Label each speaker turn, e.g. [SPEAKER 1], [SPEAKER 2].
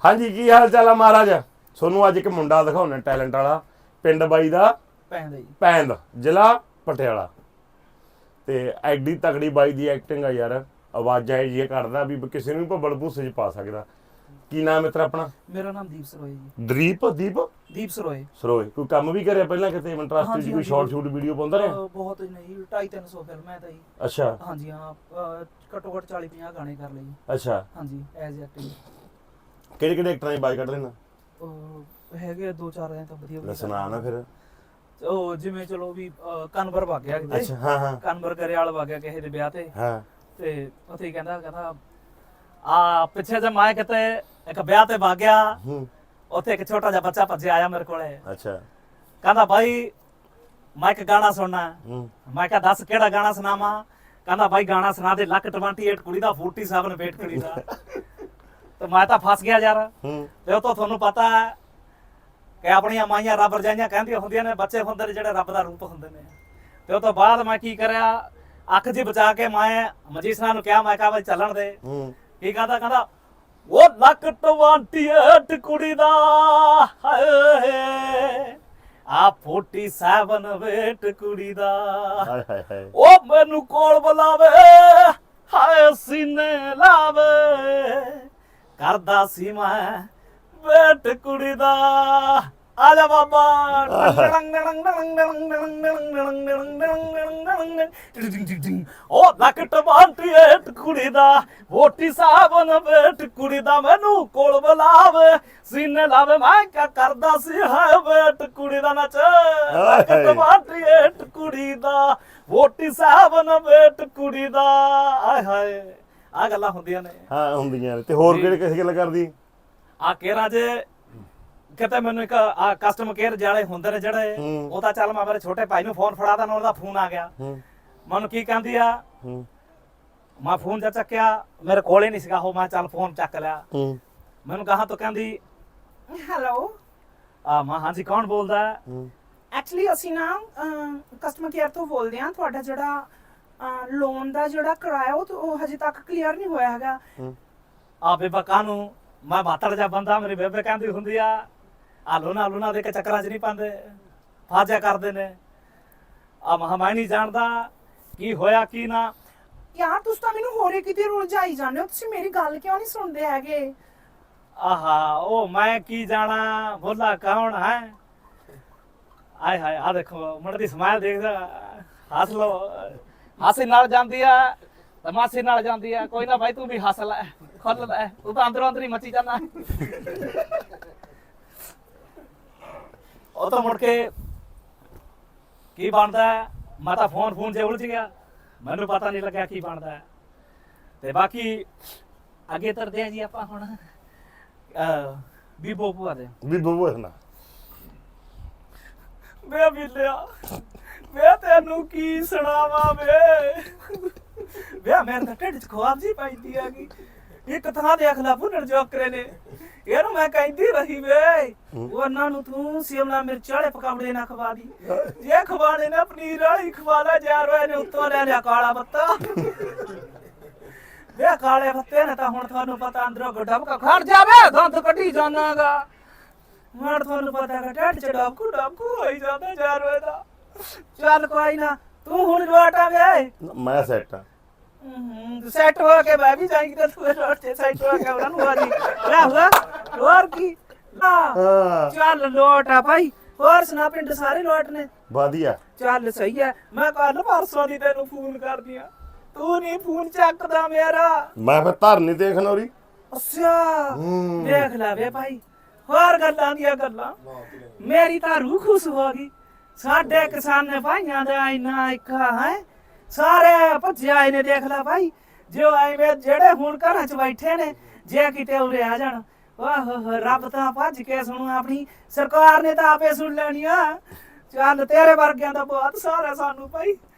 [SPEAKER 1] हाँ जी की हाल चाल है महाराज सोनू अज एक मुंडा दिखाने टैलेंट वाला पिंड बाई दा पैंद जिला पटियाला ते एडी तगड़ी बाई दी एक्टिंग है यार आवाज़ां ये करदा भी किसी नूं भब्बड़ भूसे च पा सकदा की नाम मित्र अपना
[SPEAKER 2] मेरा नाम दीप सरोय जी
[SPEAKER 1] दीप
[SPEAKER 2] सरोय
[SPEAKER 1] कोई काम भी करे पहला किते इंटरेस्ट च कोई शॉर्ट शूट वीडियो पाउंदा रहा
[SPEAKER 2] बहुत नहीं 250-300 फिल्म है ताई
[SPEAKER 1] अच्छा
[SPEAKER 2] हां जी हां घट्टो घट 40-50 गाने कर लिए
[SPEAKER 1] अच्छा
[SPEAKER 2] हां जी एज एक्टिंग
[SPEAKER 1] ਕਿਹੜੇ ਐਕਟਰਾਂ ਦੀ ਬਾਈ ਕੱਢ ਲੈਣਾ
[SPEAKER 2] ਹੈਗੇ 2-4 ਐ ਤਾਂ ਵਧੀਆ
[SPEAKER 1] ਸੁਣਾ ਨਾ ਫਿਰ
[SPEAKER 2] ਉਹ ਜਿਵੇਂ ਚਲੋ ਵੀ ਕਨਵਰ ਵਗ ਗਿਆ ਕਿਤੇ
[SPEAKER 1] ਅੱਛਾ ਹਾਂ ਹਾਂ
[SPEAKER 2] ਕਨਵਰ ਕਰਿਆਲ ਵਗ ਗਿਆ ਕਿਸੇ ਦੇ ਵਿਆਹ ਤੇ
[SPEAKER 1] ਹਾਂ
[SPEAKER 2] ਤੇ ਉੱਥੇ ਹੀ ਕਹਿੰਦਾ ਆ ਪਿੱਛੇ ਜੇ ਮੈਂ ਕਿਤੇ ਇੱਕ ਵਿਆਹ ਤੇ ਵਗ ਗਿਆ ਉੱਥੇ ਇੱਕ ਛੋਟਾ ਜਿਹਾ ਬੱਚਾ ਭੱਜਿਆ ਆਇਆ ਮੇਰੇ ਕੋਲੇ
[SPEAKER 1] ਅੱਛਾ
[SPEAKER 2] ਕਹਿੰਦਾ ਭਾਈ ਮੈਂ ਇੱਕ ਗਾਣਾ ਸੁਣਨਾ ਮੈਂ ਕਿਹਾ ਦੱਸ ਕਿਹੜਾ ਗਾਣਾ ਸੁਣਾਵਾਂ ਕਹਿੰਦਾ ਭਾਈ ਗਾਣਾ ਸੁਣਾ ਦੇ ਲੱਕ 28 ਕੁੜੀ ਦਾ 47 ਵੇਟ ਕੁੜੀ ਦਾ ਤੇ ਮੈਂ ਤਾਂ ਫਸ ਗਿਆ ਯਾਰ ਤੇ ਉਹ ਤਾਂ ਤੁਹਾਨੂੰ ਪਤਾ ਹੈ ਕਿ ਆਪਣੀਆਂ ਮਾਈਆਂ ਰੱਬ ਰਜਾਈਆਂ ਕਹਿੰਦੀਆਂ ਹੁੰਦੀਆਂ ਨੇ ਬੱਚੇ ਹੁੰਦੇ ਨੇ ਜਿਹੜੇ ਰੱਬ ਦਾ ਰੂਪ ਹੁੰਦੇ ਨੇ ਤੇ ਉਹ ਤੋਂ ਬਾਅਦ ਮੈਂ ਕੀ ਕਰਿਆ ਅੱਖ ਜੀ ਬਚਾ ਕੇ ਮੈਂ ਮਜੀਸਨਾ ਨੂੰ ਕਿਹਾ ਮੈਂ ਕਿਹਾ ਬਈ ਚੱਲਣ ਦੇ ਕੀ ਕਹਿੰਦਾ ਉਹ ਲੱਕ 28 ਕੁੜੀ ਦਾ ਹਾਏ ਆ 47 ਵੇਟ ਕੁੜੀ ਦਾ
[SPEAKER 1] ਹਾਏ ਹਾਏ ਹਾਏ
[SPEAKER 2] ਉਹ ਮੈਨੂੰ ਕੋਲ ਬੁਲਾਵੇ ਹਾਏ ਸੀਨੇ ਲਾਵੇ ਕਰਦਾ ਸੀ ਮੈਂ ਵੇਟ ਕੁੜੀ ਦਾ ਆ ਜਾ ਬਾਬਾ ਉਹ ਲੱਕ 28 ਕੁੜੀ ਦਾ 47 ਵੇਟ ਕੁੜੀ ਦਾ ਮੈਨੂੰ ਕੋਲ ਬੁਲਾਵੇ ਸੀਨੇ ਲਾਵੇ ਮੈਂ ਕਿਆ ਕਰਦਾ ਸੀ ਹਾਏ ਵੇਟ ਕੁੜੀ ਦਾ ਨੱਚ ਲੱਕ 28 ਕੁੜੀ ਦਾ 47 ਵੇਟ ਕੁੜੀ ਦਾ ਆਏ ਹਾਏ ਆ ਗੱਲਾਂ ਹੁੰਦੀਆਂ ਨੇ
[SPEAKER 1] ਹਾਂ ਹੁੰਦੀਆਂ ਨੇ ਤੇ ਹੋਰ ਕਿਹੜੇ ਕਿਸੇ ਗੱਲ ਕਰਦੀ
[SPEAKER 2] ਆ ਕੇਰਾ ਜੇ ਕਿਤੇ ਮੈਨੂੰ ਇੱਕ ਆ ਕਸਟਮਰ ਕੇਅਰ ਜਿਹੜੇ ਹੁੰਦੇ ਨੇ ਜਿਹੜੇ ਉਹ ਤਾਂ ਚੱਲ ਮੈਂ ਮੇਰੇ ਛੋਟੇ ਭਾਈ ਨੂੰ ਫੋਨ ਫੜਾਦਾ ਨਾ ਉਹਦਾ ਫੋਨ ਆ ਗਿਆ ਮੈਨੂੰ ਕੀ ਕਹਿੰਦੀ ਆ ਮੈਂ ਫੋਨ ਜਾ ਚੱਕਿਆ ਮੇਰੇ ਕੋਲੇ ਨਹੀਂ ਸੀਗਾ ਉਹ ਮੈਂ ਚੱਲ ਫੋਨ ਚੱਕ ਲਿਆ ਮੈਨੂੰ ਕਹਾ ਤਾਂ ਕਹਿੰਦੀ ਹੈਲੋ ਆ ਮੈਂ ਹਾਂਜੀ ਕੌਣ ਬੋਲਦਾ
[SPEAKER 3] ਐਕਚੁਅਲੀ ਅਸੀਂ ਨਾ ਕਸਟਮਰ ਕੇਅਰ ਤੋਂ ਬੋਲਦੇ ਹਾਂ ਤੁਹਾਡਾ ਜਿਹੜਾ ਲੋਨ ਦਾ ਜਿਹੜਾ ਕਿਰਾਇਆ ਉਹ ਹਜੇ ਤੱਕ ਕਲੀਅਰ ਨਹੀਂ ਹੋਇਆ ਹੈਗਾ
[SPEAKER 2] ਆ ਬੇਬਾ ਕਾਨੂੰ ਮੈਂ ਬਾਤੜ ਜਾ ਬੰਦਾ ਮੇਰੀ ਬੇਬੇ ਕਹਿੰਦੀ ਹੁੰਦੀ ਆ ਲੋਨਾ ਦੇ ਕੇ ਚੱਕਰਾਂ 'ਚ ਨਹੀਂ ਪਾਉਂਦੇ ਫਾਜਾ ਕਰਦੇ ਨੇ ਆ ਮੈਂ ਨਹੀਂ ਜਾਣਦਾ ਕੀ ਹੋਇਆ ਕੀ ਨਾ
[SPEAKER 3] ਯਾਰ ਤੁਸੀਂ ਤਾਂ ਮੈਨੂੰ ਹੋਰੇ ਕਿਤੇ ਰੁਲਝਾਈ ਜਾਂਦੇ ਹੋ ਤੁਸੀਂ ਮੇਰੀ ਗੱਲ ਕਿਉਂ ਨਹੀਂ ਸੁਣਦੇ ਹੈਗੇ
[SPEAKER 2] ਆਹਾ ਉਹ ਮੈਂ ਕੀ ਜਾਣਾ ਬੋਲਾ ਕੌਣ ਹੈ ਆਏ ਹਾਏ ਆ ਦੇਖੋ ਮੁੰਡੇ ਦੀ ਸਮਾਈਲ ਦੇਖਦਾ ਹੱਸ ਲੋ ਹਾਸੇ ਨਾਲ ਜਾਂਦੀ ਆ ਤਮਾਸ਼ੇ ਨਾਲ ਜਾਂਦੀ ਆ ਕੋਈ ਨਾ ਭਾਈ ਤੂੰ ਵੀ ਹੱਸ ਲੈ ਖੁੱਲ ਲੈ ਤੂੰ ਤਾਂ ਅੰਦਰੋਂ ਅੰਦਰ ਹੀ ਮੱਚੀ ਜਾਂਦਾ ਉਹ ਤਾਂ ਮੁੜ ਕੇ ਕੀ ਬਣਦਾ ਮੈਂ ਤਾਂ ਫੋਨ ਜੇ ਉਲਝ ਗਿਆ ਮੈਨੂੰ ਪਤਾ ਨਹੀਂ ਲੱਗਿਆ ਕੀ ਬਣਦਾ ਤੇ ਬਾਕੀ ਅੱਗੇ ਤਰਦੇ ਆ ਜੀ ਆਪਾਂ ਹੁਣ ਬੀਬੋ ਭੂਆ ਦੇ
[SPEAKER 1] ਨਾ
[SPEAKER 2] ਮੈਂ ਮਿਲਿਆ ਮੈਂ ਤੈਨੂੰ ਕੀ ਸੁਣਾਵਾਂ ਵੇ ਮੇਰੇ ਤਾਂ ਢਿੱਡ 'ਚ ਖੁਆਬ ਜੀ ਪੈਂਦੀ ਹੈਗੀ ਇੱਕ ਥਾਂ ਦੇ ਅਖਲਾ ਭੁੰਨਣ ਜੋਕਰੇ ਨੇ ਇਹਨੂੰ ਮੈਂ ਕਹਿੰਦੀ ਰਹੀ ਵੇ ਉਹਨਾਂ ਨੂੰ ਤੂੰ ਸ਼ਿਮਲਾ ਮਿਰਚ ਵਾਲੇ ਪਕੌੜੇ ਨਾ ਖਵਾ ਦੀ ਜੇ ਖਵਾਣੇ ਨੇ ਪਨੀਰ ਵਾਲੀ ਖਵਾ ਲੈ ਯਾਰ ਇਹਨੇ ਉੱਤੋਂ ਲੈ ਲਿਆ ਕਾਲਾ ਬੱਤਾ ਵੇ ਕਾਲੇ ਬੱਤੇ ਨੇ ਤਾਂ ਹੁਣ ਤੁਹਾਨੂੰ ਪਤਾ ਅੰਦਰੋਂ ਗੱਡਾ ਖੜ ਜਾਵੇ ਦੰਦ ਕੱਢੀ ਜਾਣਾਗਾ ਹੁਣ ਤੁਹਾਨੂੰ ਪਤਾ ਕਿ ਢਿੱਡ 'ਚ ਡਾਕੂ ਹੋਈ ਜਾਂਦਾ ਯਾਰ ਇਹਦਾ ਚੱਲ ਕੋਈ ਨਾ ਤੂੰ ਹੁਣ ਲੋਟ ਆ ਗਏ
[SPEAKER 1] ਮੈਂ ਸੈੱਟ ਆ
[SPEAKER 2] ਸੈੱਟ ਹੋ ਕੇ ਮੈਂ ਵੀ ਜਾਈਂ ਕਿ ਤੂੰ ਲੋਟ ਤੇ ਸੈੱਟ ਹੋ ਕੇ ਉਹਨਾਂ ਨੂੰ ਆ ਜੀ ਲੈ ਹੁਆ ਹੋਰ ਕੀ
[SPEAKER 1] ਹਾਂ
[SPEAKER 2] ਚੱਲ ਲੋਟ ਆ ਭਾਈ ਹੋਰ ਸੁਣਾ ਪਿੰਡ ਸਾਰੇ ਲੋਟ ਨੇ
[SPEAKER 1] ਵਧੀਆ
[SPEAKER 2] ਚੱਲ ਸਹੀ ਹੈ ਮੈਂ ਕੱਲ ਪਰਸੋਂ ਦੀ ਤੈਨੂੰ ਫੋਨ ਕਰਦੀ ਆ ਤੂੰ ਨਹੀਂ ਫੋਨ ਚੱਕਦਾ ਮੇਰਾ
[SPEAKER 1] ਮੈਂ ਫਿਰ ਧਰਨੀ ਤੇ ਖਨੌਰੀ
[SPEAKER 2] ਅੱਛਾ ਦੇਖ ਲੈ ਵੇ ਭਾਈ ਹੋਰ ਗੱਲਾਂ ਦੀਆਂ ਗੱਲਾਂ ਮੇਰੀ ਤਾਂ ਰੂਹ ਖੁਸ਼ ਹੋ ਗਈ ਸਾਡੇ ਕਿਸਾਨ ਭਾਈਆਂ ਦਾ ਇੰਨਾ ਇੱਕਾ ਹੈ ਸਾਰੇ ਭੱਜੇ ਆਏ ਨੇ ਦੇਖ ਲੈ ਭਾਈ ਜੋ ਐਵੇਂ ਜਿਹੜੇ ਹੁਣ ਘਰਾਂ 'ਚ ਬੈਠੇ ਨੇ ਜੇ ਕਿਤੇ ਉਰੇ ਆ ਜਾਣ ਵਾਹ ਰੱਬ ਤਾਂ ਭੱਜ ਕੇ ਸੁਣੂ ਆਪਣੀ ਸਰਕਾਰ ਨੇ ਤਾਂ ਆਪੇ ਸੁਣ ਲੈਣੀ ਆ ਚੱਲ ਤੇਰੇ ਵਰਗਿਆਂ ਦਾ ਬਹੁਤ ਸਾਰਾ ਸਾਨੂੰ ਭਾਈ